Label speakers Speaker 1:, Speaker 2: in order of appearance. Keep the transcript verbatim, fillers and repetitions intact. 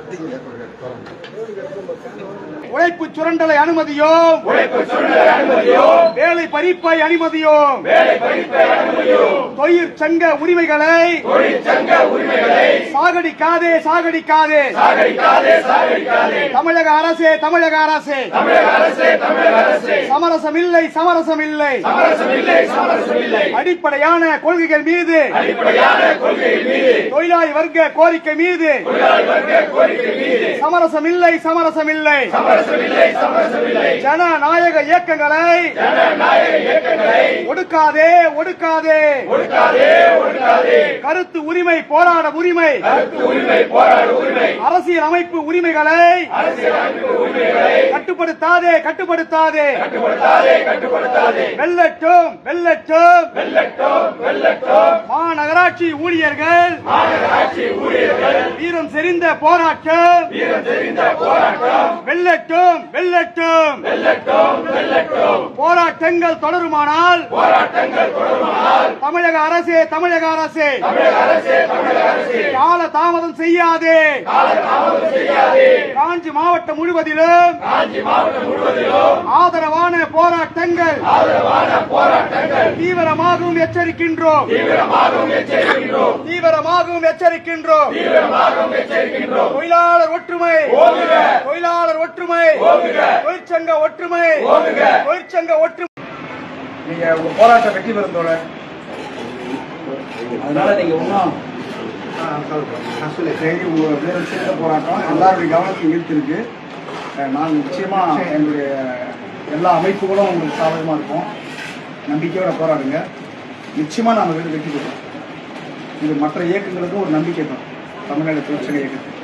Speaker 1: உழைப்பு சுரண்டலை அனுமதியோம், வேலை பறிப்பை அனுமதியோம், தொழிற்சங்க உரிமைகளை சாகடிக்காதே சாகடிக்காதே தமிழக அரசே தமிழக அரசே சமரசம் இல்லை சமரசம் இல்லை அடிப்படையான கொள்கைகள் மீது தொழிலாளி வர்க்க கோரிக்கை மீது சமரசம் இல்லை சமரசம் இல்லை ஜனநாயக இயக்கங்களை ஒடுக்காதே ஒடுக்காதே கருத்து உரிமை போராட உரிமை அரசியல் அமைப்பு உரிமைகளை கட்டுப்படுத்தாதே கட்டுப்படுத்தாதே வெல்லட்டும் வெல்லட்டும் மாநகராட்சி ஊழியர்கள் வீரம் செறிந்த போராட்டம் வெல்லட்டும் வெல்லட்டும் போராட்டங்கள் தொடருமானால் தமிழக அரசே தமிழக அரசே கால தாமதம் செய்யாதே காஞ்சி மாவட்டம் முழுவதிலும் ஆதரவான போராட்டங்கள் தீவிரமாகவும் எச்சரிக்கின்றோம் தீவிரமாகவும் எச்சரிக்கின்றோம் தொழிலாளர் ஒற்றுமை தொழிலாளர் ஒற்றுமை தொழிற்சங்க ஒற்றுமை தொழிற்சங்க ஒற்றுமை
Speaker 2: நீங்க உங்க போராட்டம் வெற்றி பெறுந்தோட அதனால நீங்க ஒன்றும் சிறந்த போராட்டம் எல்லாருடைய கவனத்தையும் ஈர்த்திருக்கு. நாங்கள் நிச்சயமா எங்களுடைய எல்லா அமைப்புகளும் உங்களுக்கு சாதகமாக இருக்கும். நம்பிக்கையோட போராடுங்க. நிச்சயமா நாங்கள் வெற்றி பெறுவோம். இது மற்ற இயக்கங்களுக்கும் ஒரு நம்பிக்கை தான் தமிழ்நாடு தொழிற்சங்க இயக்கத்துக்கு.